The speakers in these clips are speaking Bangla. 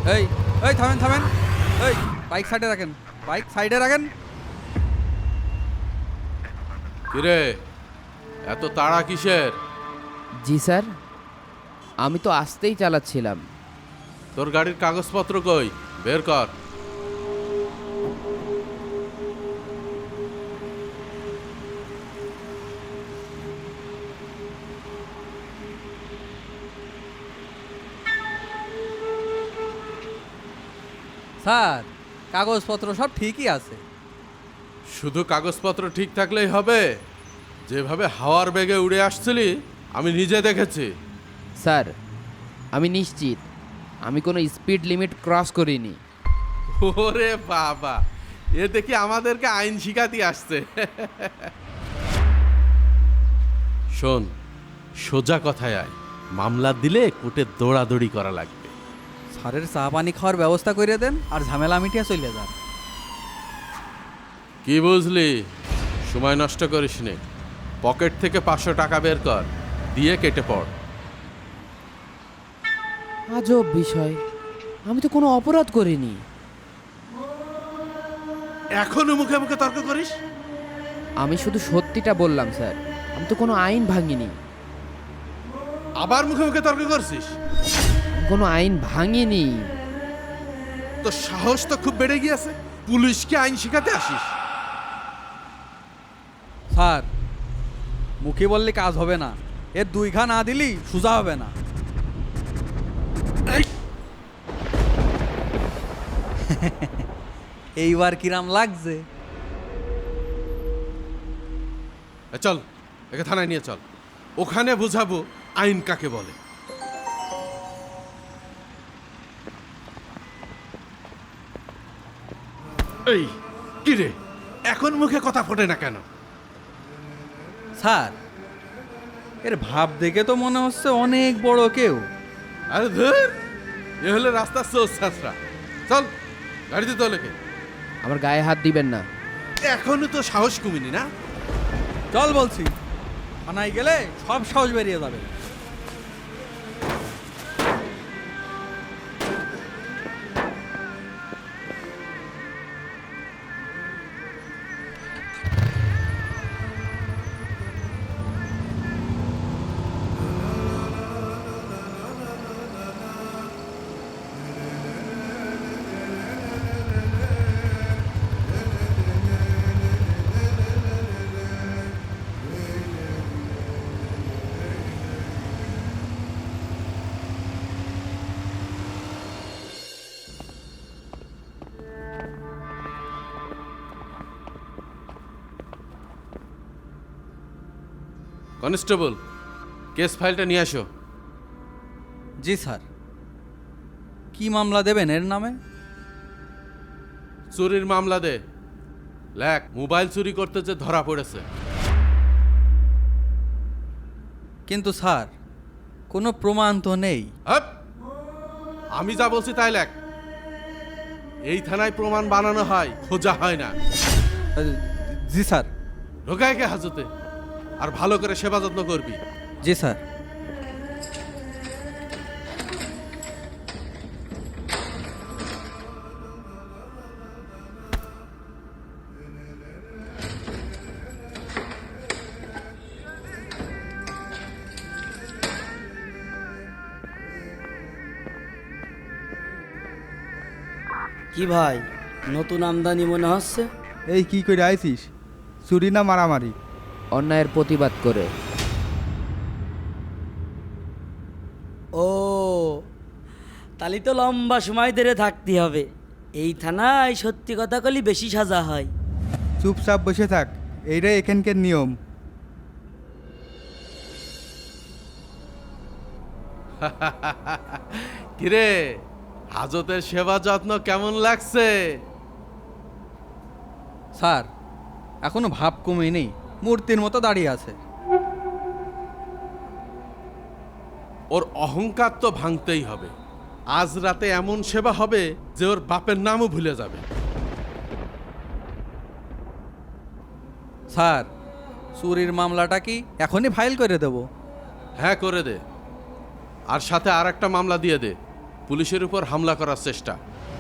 এই এই থামেন থামেন, এই বাইক সাইডে রাখেন, বাইক সাইডে রাখেন। কিরে, এত তাড়া কিসের? জি স্যার, আমি তো আসতেই চালাচ্ছিলাম। তোর গাড়ির কাগজপত্র কই? বের কর। স্যার, কাগজপত্র সব ঠিকই আছে। শুধু কাগজপত্র ঠিক থাকলেই হবে? যেভাবে হাওয়ার বেগে উড়ে আসছিলি আমি নিজে দেখেছি। স্যার, আমি নিশ্চিত আমি কোনো স্পিড লিমিট ক্রস করিনি। ওরে বাবা, এ দেখি আমাদেরকে আইন শিখাতে আসছে। শোন, সোজা কথায় আয়, মামলা দিলে কোর্টে দৌড়াদৌড়ি করা লাগবে। স্যারের চা পানি খাওয়ার ব্যবস্থা করে দেন আর ঝামেলা মিটিয়ে চলে যান। কি বুঝলি? সময় নষ্ট করিস নে। পকেট থেকে 500 টাকা বের কর, দিয়ে কেটে পড়। আজব বিষয়, আমি তো কোনো অপরাধ করিনি। এখনো মুখে মুখে তর্ক করিস? আমি শুধু সত্যিটা বললাম স্যার, আমি তো কোনো আইন ভাঙিনি। আবার মুখে মুখে তর্ক করছিস? আমি কোনো আইন ভাঙিনি। তো সাহস তো খুব বেড়ে গিয়েছে, পুলিশকে আইন শিখাতে আসিস। স্যার, মুখে বললে কাজ হবে না, এর 2 ঘা না দিলি সোজা হবে না। এই, এইবার কিরাম লাগছে? চল একে থানায় নিয়ে চল, ওখানে বুঝাবো আইন কাকে বলে। এই কি রে, এখন মুখে কথা ফোটে না কেন? স্যার, এর ভাব দেখে তো মনে হচ্ছে অনেক বড় কেউ। আরে ধর, এ হলে রাস্তার সোজ ছাত্রা। চল গাড়িতে তো লেখে। আমার গায়ে হাত দিবেন না। এখনো তো সাহস কমিনি না? চল বলছি, থানায় গেলে সব সাহস বেরিয়ে যাবে। কনস্টেবল, কেস ফাইলটা নিয়ে আসো। জি স্যার। কি মামলা দেবেন এর নামে? চুরির মামলা দে। লেখ, মোবাইল চুরি করতে যে ধরা পড়েছে। কিন্তু স্যার, কোনো প্রমাণ তো নেই। হাপ! আমি যা বলছি তাই লেখ। এই থানায় প্রমাণ বানানো হয়, খোঁজা হয় না। জি স্যার। ঢোকায়কে হাজতে, আর ভালো করে সেবা যত্ন করবি। জি স্যার। কি ভাই, নতুন আমদানি মনে হচ্ছে? এই কি করে আইছিস? চুরি না মারামারি? অন্যায়ের প্রতিবাদ করে। ও, তাহলে তো লম্বা সময় ধরে থাকতে হবে। এই থানায় সত্যি কথা কলি বেশি সাজা হয়। চুপচাপ বসে থাক, এইটাই এখানকার নিয়ম। কিরে, হাজতের সেবা যত্ন কেমন লাগছে? স্যার, এখনো ভাব কমেনি, মূর্তির মতো দাঁড়িয়ে আছে। ওর অহংকার তো ভাঙতেই হবে। আজ রাতে এমন সেবা হবে যে ওর বাপের নামও ভুলে যাবে। স্যার, চুরির মামলাটা কি এখনই ফাইল করে দেব? হ্যাঁ করে দে, আর সাথে আর একটা মামলা দিয়ে দে, পুলিশের উপর হামলা করার চেষ্টা।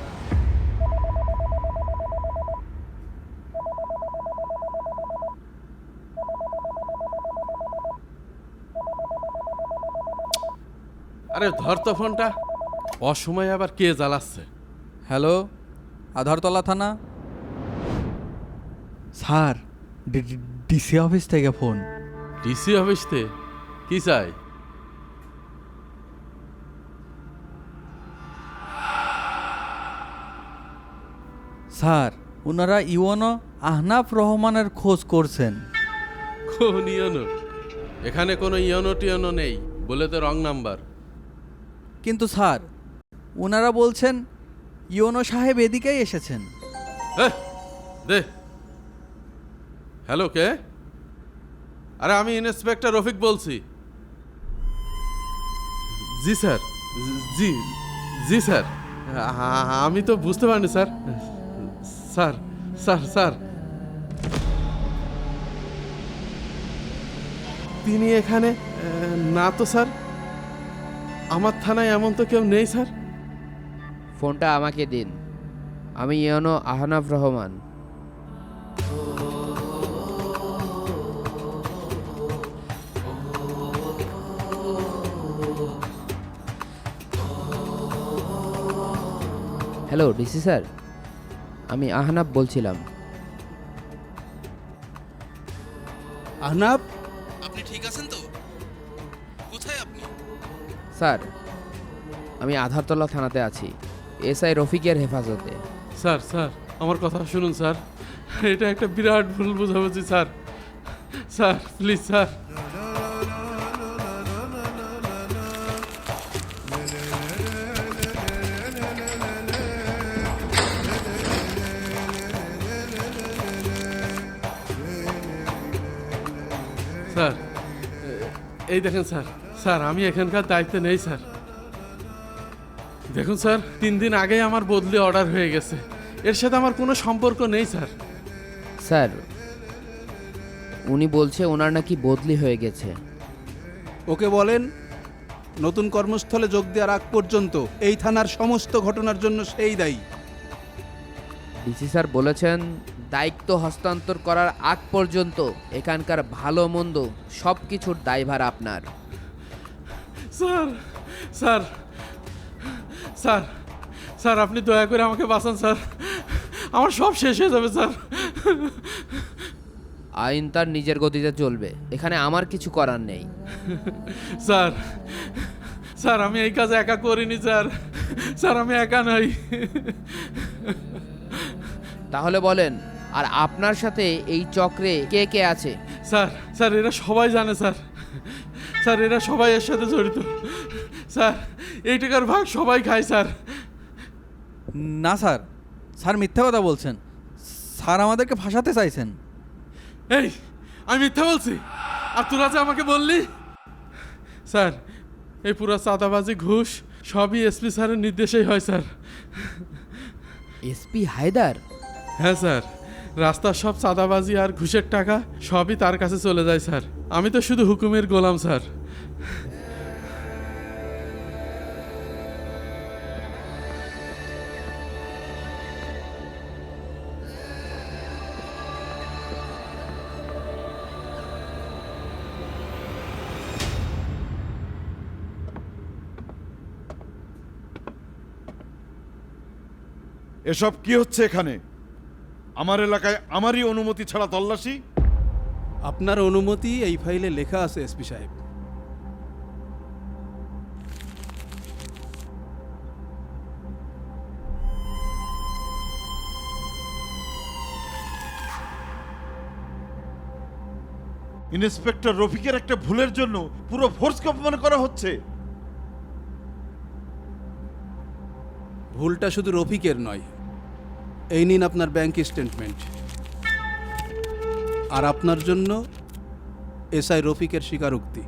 আরে ধর তো ফোনটা, অসময়ে আবার কে জ্বালাচ্ছে। হ্যালো, আধারতলা থানা। স্যার, ডিসি অফিস থেকে ফোন। ডিসি অফিস থেকে কি চাই? স্যার, ওনারা ইওনো আহনাফ রহমানের খোঁজ করছেন। কোন ইয়নো? এখানে কোনো ইয়নো টিয়নো নেই, বলে তো রং নাম্বার। কিন্তু স্যার, ওনারা বলছেন ইওনো সাহেব এদিকেই এসেছেন। দে। হ্যালো, কে? আরে আমি ইন্সপেক্টর রফিক বলছি। জি স্যার, জি জি স্যার। আমি তো বুঝতে পারিনি স্যার। স্যার স্যার স্যার তিনি এখানে না তো স্যার, আমার থানায় এমন তো কেউ নেই স্যার। ফোনটা আমাকে দিন, আমি UNO Ahnaf Rahman. Hello DC sir, আমি আহনাফ বলছিলাম। আহনাফ, আপনি ঠিক আছেন তো? কোথায় আপনি? স্যার, আমি আধারতলা থানাতে আছি, এসআই রফিকের হেফাজতে। স্যার স্যার আমার কথা শুনুন স্যার, এটা একটা বিরাট ভুল বোঝাবুঝি sir. Sir please sir. Sir এই দেখেন স্যার, স্যার আমি এখানকার দায়িত্বে নেই স্যার। দেখুন স্যার, 3 দিন আগেই আমার বদলি অর্ডার হয়ে গেছে, এর সাথে আমার কোনো সম্পর্ক নেই স্যার। স্যার, উনি বলছে ওনার নাকি বদলি হয়ে গেছে। ওকে বলেন নতুন কর্মস্থলে যোগ দেওয়ার আগ পর্যন্ত এই থানার সমস্ত ঘটনার জন্য সেই দায়ী। ডিসি স্যার বলেছেন দায়িত্ব হস্তান্তর করার আগ পর্যন্ত এখানকার ভালো মন্দ সব কিছুর দায়ভার আপনার। স্যার স্যার স্যার স্যার আপনি দয়া করে আমাকে বাঁচান স্যার, আমার সব শেষ হয়ে যাবে স্যার। আইন তার নিজের গতিতে চলবে, এখানে আমার কিছু করার নেই। স্যার স্যার আমি এই কাজ একা করিনি স্যার, স্যার আমি একা নই। তাহলে বলেন, আর আপনার সাথে এই চক্রে কে কে আছে? স্যার স্যার এরা সবাই জানে স্যার, স্যার এরা সবাই এর সাথে জড়িত স্যার, এই টাকার ভাগ সবাই খায় স্যার। না স্যার, স্যার মিথ্যা কথা বলছেন। স্যার আমাদেরকে ফাঁসাতে চাইছেন। এই আমি মিথ্যা বলছি? আর তোরা যে আমাকে বললি? স্যার এই পুরো চাঁদাবাজি ঘুষ সবই এসপি স্যারের নির্দেশেই হয় স্যার। এসপি হায়দার? হ্যাঁ স্যার, রাস্তার সব চাঁদাবাজি আর ঘুষের টাকা সবই তার কাছে চলে যায় স্যার, আমি তো শুধু হুকুমের গোলাম স্যার। এসব কি হচ্ছে এখানে? আমার এলাকায় আমারই অনুমতি ছাড়া তল্লাশি? আপনার অনুমতি এই ফাইলে লেখা আছে এসপি সাহেব। ইন্সপেক্টর রফিকের একটা ভুলের জন্য পুরো ফোর্সকে অপমান করা হচ্ছে। ভুলটা শুধু রফিকের নয়, এই নিন আপনার ব্যাংক স্টেটমেন্ট, আর আপনার জন্য এসআই রফিকের স্বীকারোক্তি।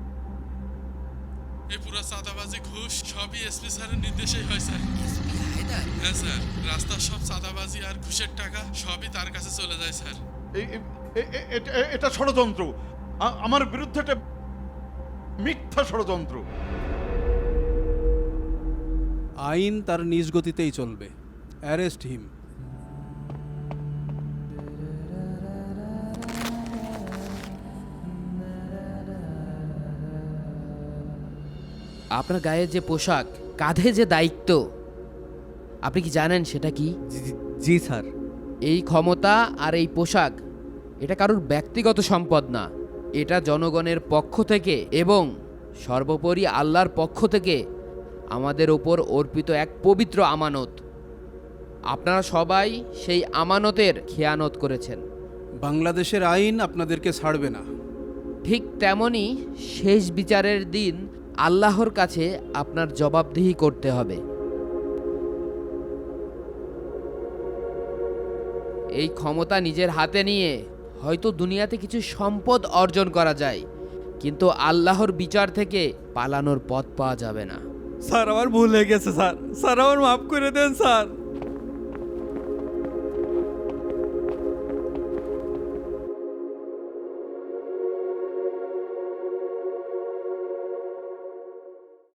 এই পুরো চাঁদাবাজি ঘুষ সবই এসপি স্যারের নির্দেশেই হয় স্যার। হ্যাঁ স্যার, রাস্তার সব চাঁদাবাজি আর ঘুষের টাকা সবই তার কাছে চলে যায় স্যার। এটা ষড়যন্ত্র, আমার বিরুদ্ধে একটা মিথ্যা ষড়যন্ত্র। আইন তার নিজ গতিতেই চলবে। Arrest him. আপনার গায়ে যে পোশাক, কাঁধে যে দায়িত্ব, আপনি কি জানেন সেটা কি? জি স্যার। এই ক্ষমতা আর এই পোশাক এটা কারোর ব্যক্তিগত সম্পদ না, এটা জনগণের পক্ষ থেকে এবং সর্বোপরি আল্লাহর পক্ষ থেকে আমাদের ওপর অর্পিত এক পবিত্র আমানত। আপনারা সবাই সেই আমানতের খেয়ানত করেছেন। বাংলাদেশের আইন আপনাদেরকে ছাড়বে না। ঠিক তেমনি শেষ বিচারের দিন আল্লাহর কাছে আপনার জবাবদিহি করতে হবে। এই ক্ষমতা নিজের হাতে নিয়ে হয়তো দুনিয়াতে কিছু সম্পদ অর্জন করা যায়, কিন্তু আল্লাহর বিচার থেকে পালানোর পথ পাওয়া যাবে না। স্যার আমার ভুল হয়ে গেছে স্যার, স্যার আমার মাফ করে দেন স্যার।